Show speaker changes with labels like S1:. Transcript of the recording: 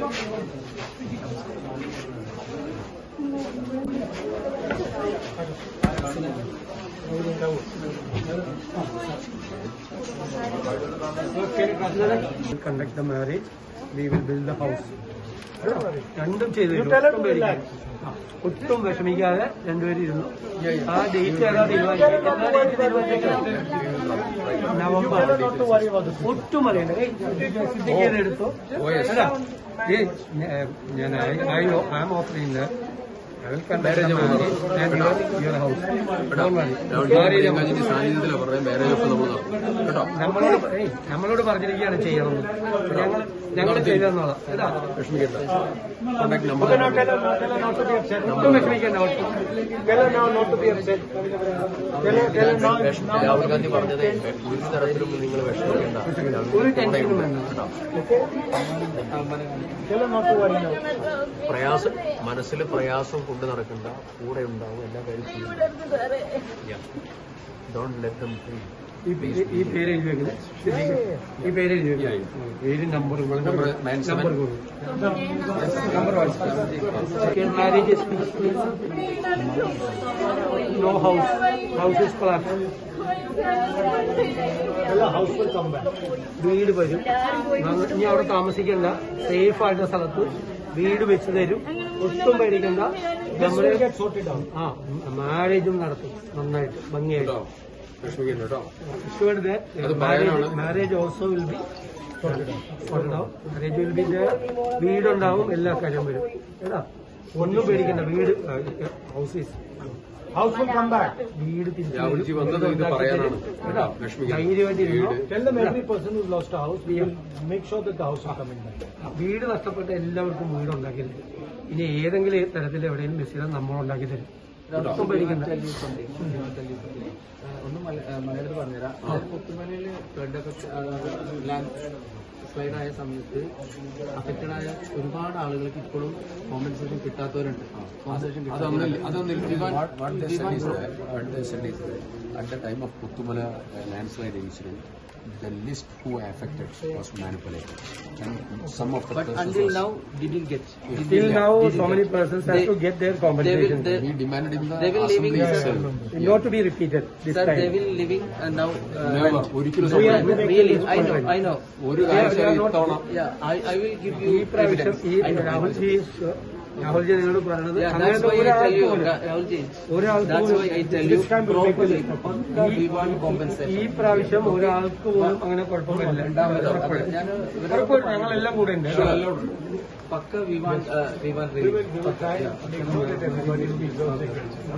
S1: conduct the marriage, we will build the house. രണ്ടും ചെയ്തു ഒട്ടും വിഷമിക്കാതെ രണ്ടുപേരും ഇരുന്നു. ആ ഡേറ്റ് ഏതാ നവംബർ. ഒട്ടും അറിയണ്ട എടുത്തു. ഞാൻ I am offering I will conduct the marriage and your house. നമ്മളോട് പറഞ്ഞിരിക്കുകയാണ് ചെയ്യണമെന്ന്. ഞങ്ങൾ ചെയ്തെന്നോളാം. ഒട്ടും വിഷമിക്കേണ്ട.
S2: രാഹുൽ ഗാന്ധി പറഞ്ഞത് ഒരു തരത്തിലും നിങ്ങൾ വിഷമിക്കേണ്ട,
S1: ഒരു ടെൻഷനും വേണ്ട.
S2: പ്രയാസം മനസ്സിൽ പ്രയാസം കൊണ്ട് നടക്കണ്ട, കൂടെ ഉണ്ടാവും, എല്ലാ കാര്യത്തിലും. Don't let them free.
S1: ഈ പേര് എഴുതി വെക്കുന്നത്, ഈ പേര് എഴുതി വെക്കുന്നത്, പേര് number marriage no house, house is collapse. വീട് വരും, ഇനി അവിടെ താമസിക്കണ്ട, സേഫ് ആയിട്ടുള്ള സ്ഥലത്ത് വീട് വെച്ച് തരും. ഒട്ടും പേടിക്കണ്ട. നമ്മുടെ മാരേജും നടത്തും നന്നായിട്ട് ഭംഗിയായിട്ട്. Marriage also will be marriage will be വീടുണ്ടാവും, എല്ലാ കാര്യം വരും കേട്ടാ. ഒന്നും പേടിക്കണ്ട. വീട് ഹൗസ് വിൽ കം ബാക്ക്. വീട് വീട് നഷ്ടപ്പെട്ട എല്ലാവർക്കും വീടുണ്ടാക്കിയിട്ടുണ്ട്. ഇനി ഏതെങ്കിലും തരത്തിൽ എവിടെയും മിസ് ചെയ്താൽ നമ്മളുണ്ടാക്കി തരും. ഒന്നും പേടിക്കണ്ട.
S3: ഒന്നും മലയാളത്തിൽ പറഞ്ഞുതരാം. പുത്തുമലയില് ഫ്ലഡൊക്കെ സ്ലൈഡ് ആയ സമയത്ത് അഫക്റ്റഡ് ആയ ഒരുപാട് ആളുകൾക്ക് ഇപ്പോഴും കോമ്പൻസേഷൻ കിട്ടാത്തവരുണ്ട്.
S2: At the time of Puttumala landslide incident, the list who were affected was manipulated, and some of the
S3: but until now didn't get.
S1: Till now, so many persons have to get their compensation.
S2: We demanded in the
S3: assembly
S2: itself.
S1: Not to be repeated this
S3: Sir,
S1: time.
S3: they will living now.
S2: Never.
S3: Really, I know.
S2: Yeah,
S3: I will give you evidence.
S1: Rahulji നിങ്ങളോട് പറഞ്ഞത്
S3: That's why I tell you, Rahulji. That's why I tell you properly. We want compensation.
S1: ഈ പ്രാവശ്യം ഒരാൾക്ക് പോലും അങ്ങനെ കുഴപ്പമില്ല. ഞങ്ങളെല്ലാം കൂടെ ഉണ്ട്.
S3: Pakka we want